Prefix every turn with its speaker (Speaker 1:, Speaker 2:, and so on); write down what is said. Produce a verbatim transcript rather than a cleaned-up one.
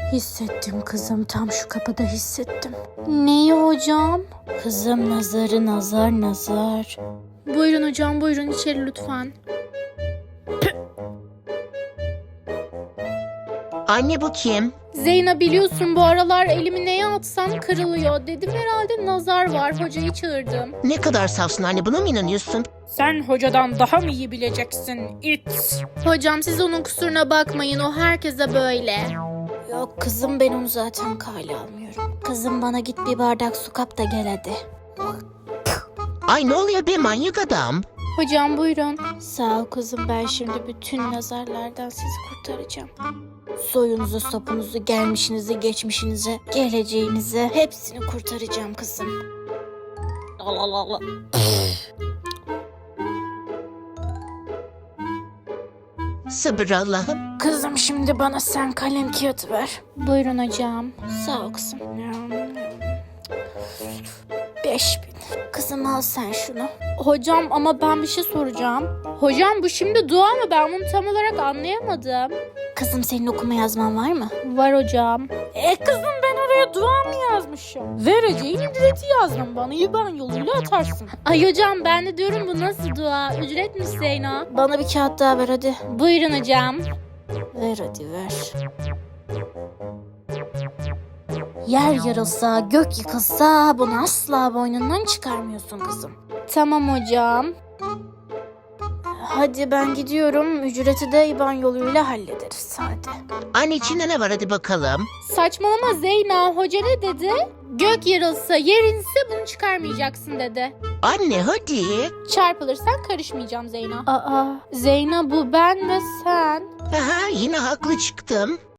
Speaker 1: Hissettim kızım, tam şu kapıda hissettim. Neyi hocam? Kızım nazarı, nazar nazar. Buyurun hocam, buyurun içeri lütfen.
Speaker 2: Anne bu kim?
Speaker 1: Zeyna, biliyorsun bu aralar elimi neye atsam kırılıyor. Dedim herhalde nazar var, hocayı çağırdım.
Speaker 2: Ne kadar safsın anne, buna mı inanıyorsun?
Speaker 1: Sen hocadan daha mı iyi bileceksin it? Hocam siz onun kusuruna bakmayın, o herkese böyle. Yok kızım, ben onu zaten kale almıyorum. Kızım bana git bir bardak su kap da gel hadi.
Speaker 2: Ay ne oluyor be manyak adam?
Speaker 1: Hocam buyurun. Sağ ol kızım, ben şimdi bütün nazarlardan sizi kurtaracağım. Soyunuzu, sopunuzu, gelmişinizi, geçmişinizi, geleceğinizi hepsini kurtaracağım kızım. Allah Allah Allah.
Speaker 2: Sabır Allah'ım.
Speaker 1: Kızım şimdi bana sen kalem kağıt ver. Buyurun hocam. Sağ ol kızım. Beş bin. Kızım al sen şunu. Hocam ama ben bir şey soracağım. Hocam bu şimdi dua mı? Ben bunu tam olarak anlayamadım. Kızım senin okuma yazman var mı? Var hocam. E kızım ben oraya dua mı yazmışım? Vereceğin ücreti yazdım, bana I B A N yoluyla atarsın. Ay hocam ben de diyorum bu nasıl dua? Ücret mi Zeyna? Bana bir kağıt daha ver hadi. Buyurun hocam. Ver hadi ver. Yer yarılsa, gök yıkılsa bunu asla boynundan çıkarmıyorsun kızım. Tamam hocam. Hadi ben gidiyorum. Ücreti de I B A N yoluyla hallederiz hadi.
Speaker 2: Anne içinde ne var hadi bakalım.
Speaker 1: Saçmalama Zeyna. Hoca ne dedi? Gök yarılsa, yer inse bunu çıkarmayacaksın dedi.
Speaker 2: Anne hadi.
Speaker 1: Çarpılırsan karışmayacağım Zeyna. Aa, Zeyna bu ben ve sen.
Speaker 2: Aha, yine haklı çıktım.